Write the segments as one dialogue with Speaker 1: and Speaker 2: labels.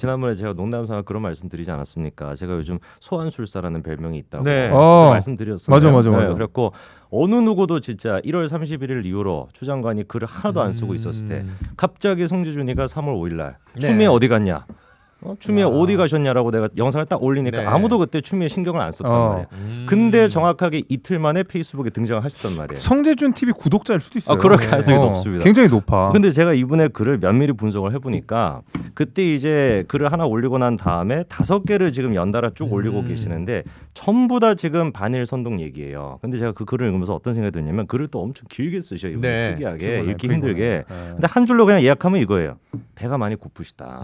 Speaker 1: 지난번에 제가 농담삼아 그런 말씀 드리지 않았습니까? 제가 요즘 소환술사라는 별명이 있다고
Speaker 2: 네.
Speaker 1: 말씀드렸어요.
Speaker 2: 맞아.
Speaker 1: 그랬고 어느 누구도 진짜 1월 31일 이후로 추 장관이 글을 하나도 안 쓰고 있었을 때 갑자기 송지준이가 3월 5일 날 추미애 어디 갔냐? 추미애 어디 가셨냐라고 내가 영상을 딱 올리니까
Speaker 3: 네.
Speaker 1: 아무도 그때 추미애 신경을 안 썼단 말이에요. 근데 정확하게 이틀 만에 페이스북에 등장을 하셨단 말이에요.
Speaker 2: 성재준 TV 구독자일 수도 있어요.
Speaker 1: 그럴 가능성이 높습니다.
Speaker 2: 굉장히 높아.
Speaker 1: 근데 제가 이분의 글을 면밀히 분석을 해보니까 그때 이제 글을 하나 올리고 난 다음에 5개를 지금 연달아 쭉 올리고 계시는데 전부 다 지금 반일 선동 얘기예요. 근데 제가 그 글을 읽으면서 어떤 생각이 드냐면 글을 또 엄청 길게 쓰셔요. 이분이
Speaker 3: 네.
Speaker 1: 특이하게 읽기 힘들게. 근데 한 줄로 그냥 예약하면 이거예요. 배가 많이 고프시다.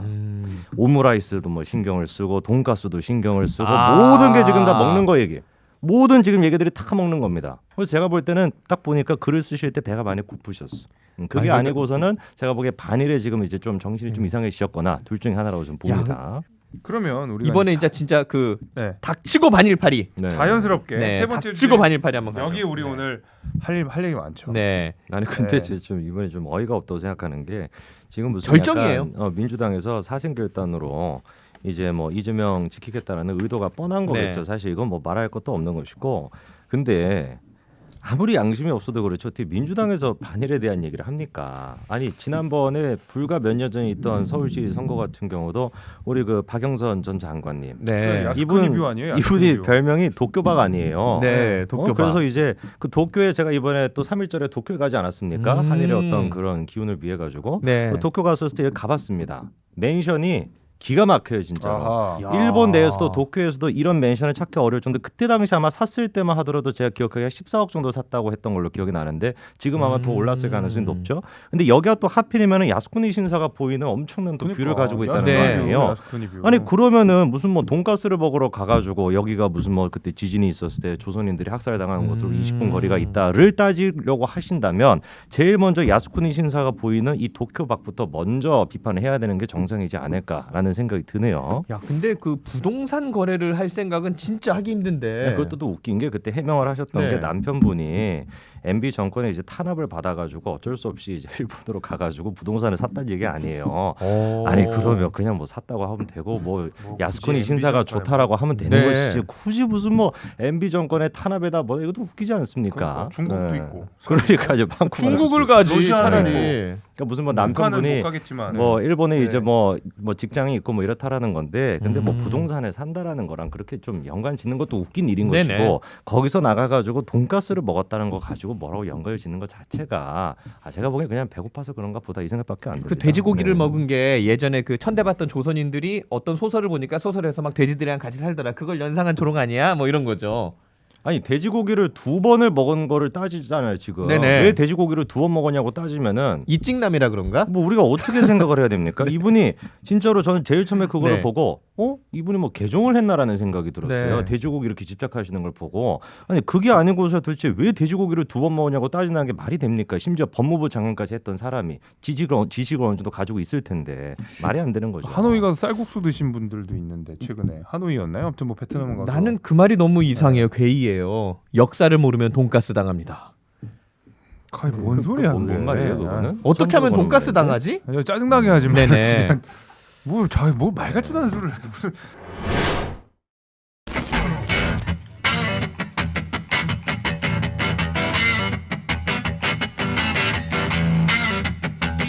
Speaker 1: 오므라이스도 뭐 신경을 쓰고 돈가스도 신경을 쓰고 모든 게 지금 다 먹는 거 얘기. 모든 지금 얘기들이 다 먹는 겁니다. 그래서 제가 볼 때는 딱 보니까 글을 쓰실 때 배가 많이 고프셨어. 그게 아니고서는 제가 보기에 반일에 지금 이제 좀 정신이 좀 이상해지셨거나 둘 중에 하나라고 좀 봅니다.
Speaker 2: 그러면 우리가
Speaker 3: 이번에 이제 진짜 그
Speaker 2: 네.
Speaker 3: 닥치고 반일파리.
Speaker 1: 네.
Speaker 2: 자연스럽게
Speaker 3: 네.
Speaker 2: 세 번째
Speaker 3: 닥치고 반일파리 한번 가죠.
Speaker 2: 여기 우리 오늘 할 얘기 많죠.
Speaker 3: 네.
Speaker 1: 아니 근데
Speaker 2: 네.
Speaker 1: 좀 이번에 좀 어이가 없다고 생각하는 게 지금 무슨
Speaker 3: 결정이에요.
Speaker 1: 약간, 민주당에서 사생결단으로 이제 뭐 이재명 지키겠다라는 의도가 뻔한 거겠죠.
Speaker 3: 네.
Speaker 1: 사실 이건 뭐 말할 것도 없는 것이고 근데 아무리 양심이 없어도 그렇죠. 어떻게 민주당에서 반일에 대한 얘기를 합니까? 아니 지난번에 불과 몇 년 전에 있던 서울시 선거 같은 경우도 우리 그 박영선 전 장관님
Speaker 3: 네.
Speaker 2: 야스쿠니 뷰 아니에요? 야스쿠니
Speaker 1: 이분이
Speaker 2: 뷰.
Speaker 1: 별명이 도쿄박 아니에요.
Speaker 3: 네. 도쿄바.
Speaker 1: 그래서 이제 그 도쿄에 제가 이번에 또 3일절에 도쿄에 가지 않았습니까? 한일의 어떤 그런 기운을 비해 가지고
Speaker 3: 네.
Speaker 1: 도쿄 갔었을 때 가봤습니다. 맨션이 기가 막혀요 진짜로.
Speaker 2: 아하.
Speaker 3: 야.
Speaker 1: 일본 내에서도 도쿄에서도 이런 맨션을 찾기 어려울 정도. 그때 당시 아마 샀을 때만 하더라도 제가 기억하기에 14억 정도 샀다고 했던 걸로 기억이 나는데 지금 아마 더 올랐을 가능성이 높죠. 근데 여기가 또 하필이면 야스쿠니 신사가 보이는 엄청난 또 뷰를 가지고 있다는
Speaker 3: 네.
Speaker 1: 거 아니에요.
Speaker 2: 야스쿠니 뷰.
Speaker 1: 아니 그러면은 무슨 뭐 돈가스를 먹으러 가가지고 여기가 무슨 뭐 그때 지진이 있었을 때 조선인들이 학살당한 곳으로 20분 거리가 있다를 따지려고 하신다면 제일 먼저 야스쿠니 신사가 보이는 이 도쿄 밖부터 먼저 비판을 해야 되는 게 정상이지 않을까라는 생각이 드네요.
Speaker 3: 야, 근데 그 부동산 거래를 할 생각은 진짜 하기 힘든데.
Speaker 1: 그것도 또 웃긴 게 그때 해명을 하셨던
Speaker 3: 네.
Speaker 1: 게 남편분이 MB 정권에 이제 탄압을 받아가지고 어쩔 수 없이 이제 일본으로 가가지고 부동산을 샀다는 얘기 아니에요. 아니 그러면 그냥 뭐 샀다고 하면 되고 뭐 야스쿠니
Speaker 2: 굳이
Speaker 1: 신사가
Speaker 2: MB
Speaker 1: 좋다라고 하면 되는
Speaker 3: 네.
Speaker 1: 것이지 굳이 무슨 뭐 MB 정권의 탄압에다 뭐 이것도 웃기지 않습니까?
Speaker 2: 그러니까 중국도
Speaker 1: 네.
Speaker 2: 있고.
Speaker 1: 그러니까
Speaker 3: 중국을 가지
Speaker 2: 러시아는
Speaker 3: 차라리.
Speaker 1: 그러니까 무슨 뭐
Speaker 2: 북한은
Speaker 1: 남편분이
Speaker 2: 못 가겠지만
Speaker 1: 뭐 일본에
Speaker 2: 네.
Speaker 1: 이제 뭐 직장이 있고 뭐 이렇다라는 건데 근데 뭐 부동산을 산다라는 거랑 그렇게 좀 연관 짓는 것도 웃긴 일인
Speaker 3: 네네.
Speaker 1: 것이고 거기서 나가가지고 돈가스를 먹었다는 거 가지고 뭐라고 연관을 짓는 것 자체가 제가 보기엔 그냥 배고파서 그런가 보다 이 생각밖에 안 듭니다.
Speaker 3: 그 돼지고기를
Speaker 1: 네.
Speaker 3: 먹은 게 예전에 그 천대받던 조선인들이 어떤 소설을 보니까 소설에서 막 돼지들이랑 같이 살더라. 그걸 연상한 조롱 아니야? 뭐 이런 거죠.
Speaker 1: 아니 돼지고기를 2번을 먹은 거를 따지잖아요 지금.
Speaker 3: 네네.
Speaker 1: 왜 돼지고기를 2번 먹었냐고 따지면은
Speaker 3: 이찍남이라 그런가?
Speaker 1: 뭐 우리가 어떻게 생각을 해야 됩니까? 이분이 진짜로 저는 제일 처음에 그거를
Speaker 3: 네.
Speaker 1: 보고 이분이 뭐 개종을 했나라는 생각이 들었어요.
Speaker 3: 네.
Speaker 1: 돼지고기 이렇게 집착하시는 걸 보고 아니 그게 아니고서 도대체 왜 돼지고기를 2번 먹었냐고 따지는 게 말이 됩니까? 심지어 법무부 장관까지 했던 사람이 지식을 어느 정도 가지고 있을 텐데 말이 안 되는 거죠.
Speaker 2: 하노이 가서 쌀국수 드신 분들도 있는데 최근에 하노이였나요? 아무튼 뭐 베트남 가서
Speaker 3: 나는 그 말이 너무 이상해요. 괴이해요. 역사를 모르면 돈가스 당합니다.
Speaker 2: 거의 뭔 소리야?
Speaker 1: 뭔
Speaker 2: 그게.
Speaker 1: 말이에요 그거는?
Speaker 3: 어떻게
Speaker 1: 처음
Speaker 3: 하면
Speaker 1: 들어보는
Speaker 3: 돈가스
Speaker 1: 말인데?
Speaker 3: 당하지?
Speaker 2: 야, 짜증나게 하지 마.
Speaker 3: 네네.
Speaker 2: 뭐 말같지도 않은 소리를 해. 무슨